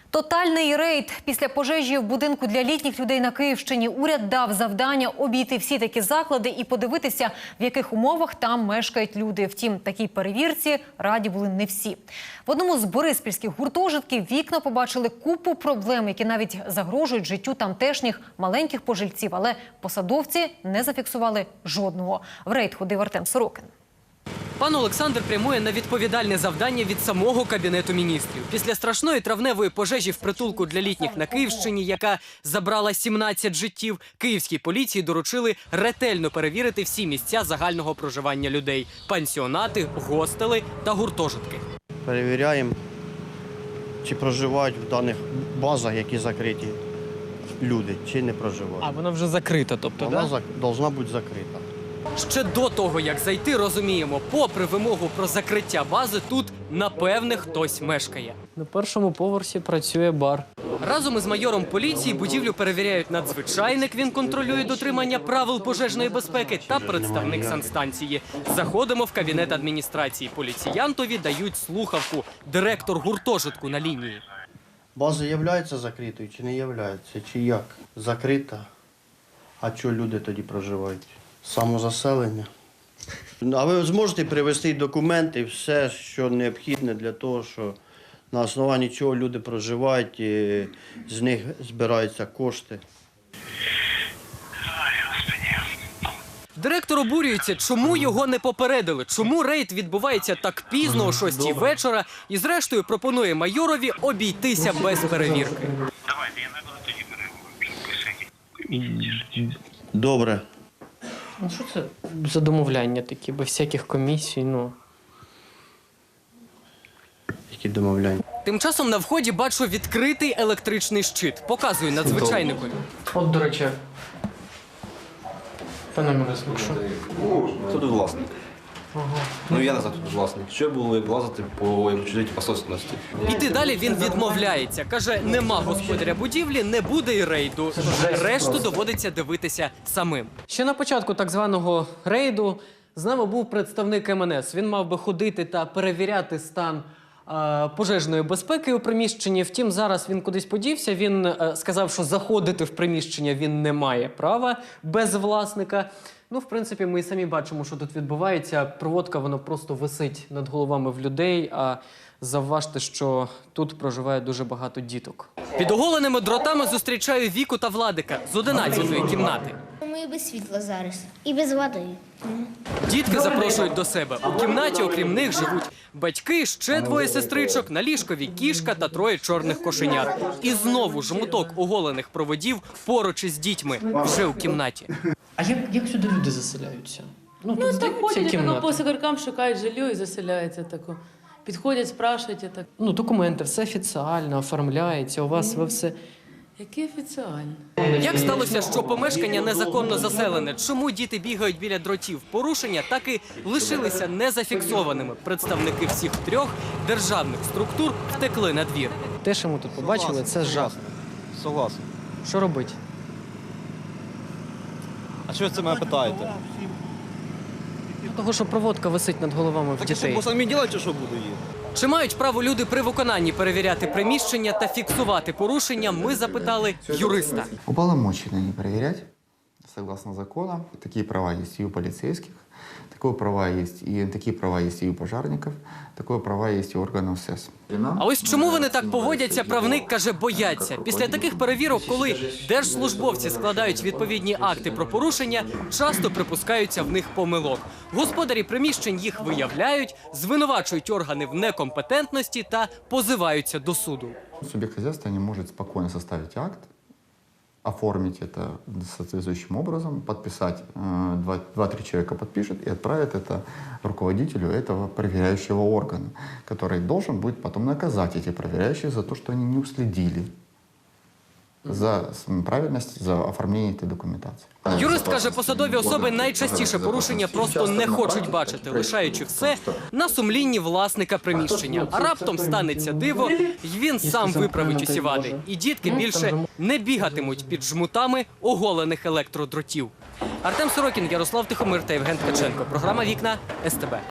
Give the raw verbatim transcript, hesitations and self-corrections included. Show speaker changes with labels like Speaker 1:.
Speaker 1: Тотальний рейд. Після пожежі в будинку для літніх людей на Київщині уряд дав завдання обійти всі такі заклади і подивитися, в яких умовах там мешкають люди. Втім, такій перевірці раді були не всі. В одному з бориспільських гуртожитків вікна побачили купу проблем, які навіть загрожують життю тамтешніх маленьких пожильців. Але посадовці не зафіксували жодного. В рейд ходив Артем Сорокін.
Speaker 2: Пан Олександр прямує на відповідальне завдання від самого Кабінету міністрів. Після страшної травневої пожежі в притулку для літніх на Київщині, яка забрала сімнадцять життів, київській поліції доручили ретельно перевірити всі місця загального проживання людей – пансіонати, гостели та гуртожитки.
Speaker 3: Перевіряємо, чи проживають в даних базах, які закриті люди, чи не проживають.
Speaker 2: А вона вже закрита, тобто,
Speaker 3: Вона
Speaker 2: да?
Speaker 3: повинна бути закрита.
Speaker 2: Ще до того, як зайти, розуміємо, попри вимогу про закриття бази, тут, напевне, хтось мешкає.
Speaker 4: На першому поверсі працює бар.
Speaker 2: Разом із майором поліції будівлю перевіряють надзвичайник, він контролює дотримання правил пожежної безпеки, та представник санстанції. Заходимо в кабінет адміністрації. Поліціянтові дають слухавку. Директор гуртожитку на лінії.
Speaker 3: База є закритою чи не є? Чи як? Закрита. А чого люди тоді проживають? Самозаселення. А ви зможете привезти документи, все, що необхідне для того, що на основанні чого люди проживають, і з них збираються кошти.
Speaker 2: Директор обурюється, чому його не попередили, чому рейд відбувається так пізно, о шостій вечора, і зрештою пропонує майорові обійтися без перевірки.
Speaker 5: Давайте, я не буду тоді переговорити.
Speaker 3: Добре.
Speaker 4: Ну що це за домовляння такі, без всяких комісій, ну.
Speaker 3: Які домовляння?
Speaker 2: Тим часом на вході бачу відкритий електричний щит. Показую надзвичайникові.
Speaker 4: От, до речі, пане Мирослав, що?
Speaker 6: Хто тут власник? Ага. Ну я назад тут власник. Що було як влазити по чужій посольственності?
Speaker 2: Іти далі він відмовляється. Каже, нема господаря будівлі, не буде і рейду. Решту доводиться дивитися самим. Ще на початку так званого рейду з нами був представник ем ен ес. Він мав би ходити та перевіряти стан е, пожежної безпеки у приміщенні. Втім, зараз він кудись подівся. Він е, сказав, що заходити в приміщення він не має права без власника. Ну, в принципі, ми і самі бачимо, що тут відбувається. Проводка, вона просто висить над головами в людей, а завважте, що тут проживає дуже багато діток. Під оголеними дротами зустрічаю Віку та Владика з одинадцятої кімнати.
Speaker 7: Ми без світла зараз. І без води.
Speaker 2: Дітки запрошують до себе. У кімнаті, окрім них, живуть батьки, ще двоє сестричок, на ліжкові кішка та троє чорних кошенят. І знову жмуток оголених проводів поруч із дітьми, вже у кімнаті.
Speaker 4: А як, як сюди люди заселяються?
Speaker 8: Ну,
Speaker 4: тут
Speaker 8: так ходять,
Speaker 4: кімнати.
Speaker 8: тако, по сигаркам шукають жилье і заселяються тако. Підходять, спрашують, так.
Speaker 4: Ну, документи, все офіціально, оформляється, у вас ви все...
Speaker 8: Які офіціальні?
Speaker 2: Як сталося, що помешкання незаконно заселене? Чому діти бігають біля дротів? Порушення так і лишилися незафіксованими. Представники всіх трьох державних структур втекли на двір.
Speaker 4: Те, що ми тут побачили, це жах.
Speaker 6: Согласен.
Speaker 4: Що робити?
Speaker 6: А чого ви це мене питаєте?
Speaker 4: Того, що проводка висить над головами в
Speaker 6: Так що,
Speaker 4: дітей.
Speaker 6: бо самі ділайте, що буду її?
Speaker 2: Чи мають право люди при виконанні перевіряти приміщення та фіксувати порушення, ми запитали юриста.
Speaker 9: Уполномочены не проверять, согласно закону. Такие права есть и у полицейских, такое права есть и такие права есть и у пожарников, такое права есть и у органов эс эс.
Speaker 2: А ось чому вони так поводяться, правник каже, бояться. Після таких перевірок, коли держслужбовці складають відповідні акти про порушення, часто припускаються в них помилок. Господарі приміщень їх виявляють, звинувачують органи в некомпетентності та позиваються до суду.
Speaker 9: Субъект хозяйства не может спокойно составить акт, оформить это соответствующим образом, подписать, два-три человека подпишет и отправит это руководителю этого проверяющего органа, который должен будет потом наказать эти проверяющие за то, что они не уследили за правильність, за оформлення цієї документації.
Speaker 2: Юрист каже, посадові особи найчастіше порушення просто не хочуть бачити, лишаючи все на сумлінні власника приміщення. А раптом станеться диво, і він сам виправить усі вади. І дітки більше не бігатимуть під жмутами оголених електродротів. Артем Сорокін, Ярослав Тихомир та Євген Ткаченко. Програма «Вікна» ес те бе.